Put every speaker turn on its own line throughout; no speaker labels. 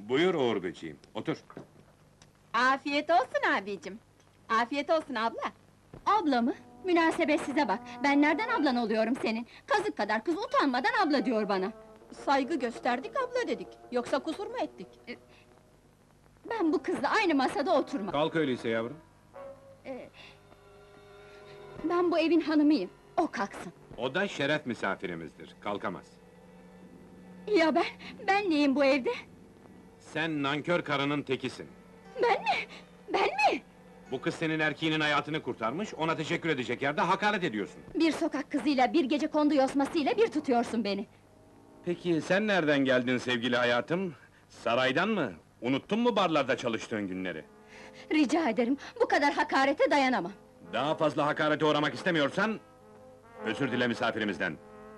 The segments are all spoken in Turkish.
Buyur Uğur böceğim, otur.
Afiyet olsun abicim. Afiyet olsun abla.
Abla mı? Münasebetsize bak, ben nereden ablan oluyorum senin? Kazık kadar kız utanmadan abla diyor bana.
Saygı gösterdik, abla dedik. Yoksa kusur mu ettik?
Ben bu kızla aynı masada oturmam.
Kalk öyleyse yavrum.
Ben bu evin hanımıyım, o kalksın.
O da şeref misafirimizdir, kalkamaz.
Ya ben neyim bu evde?
Sen nankör karının tekisin.
Ben mi? Ben mi?
Bu kız senin erkeğinin hayatını kurtarmış, ona teşekkür edecek yerde hakaret ediyorsun.
Bir sokak kızıyla, bir gece kondu yosmasıyla bir tutuyorsun beni.
Peki sen nereden geldin sevgili hayatım? Saraydan mı? Unuttun mu barlarda çalıştığın günleri?
Rica ederim, bu kadar hakarete dayanamam.
Daha fazla hakarete uğramak istemiyorsan... ...özür dile misafirimizden.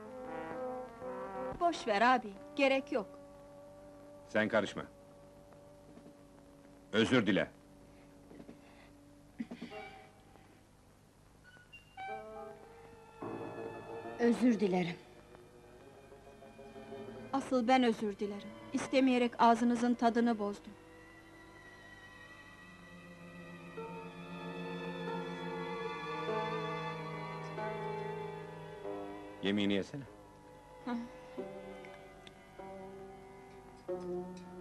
Boş ver abi, gerek yok.
Sen karışma. Özür dile.
Özür dilerim.
Asıl ben özür dilerim. İstemeyerek ağzınızın tadını bozdum.
Yemeğini yesene.
Hı.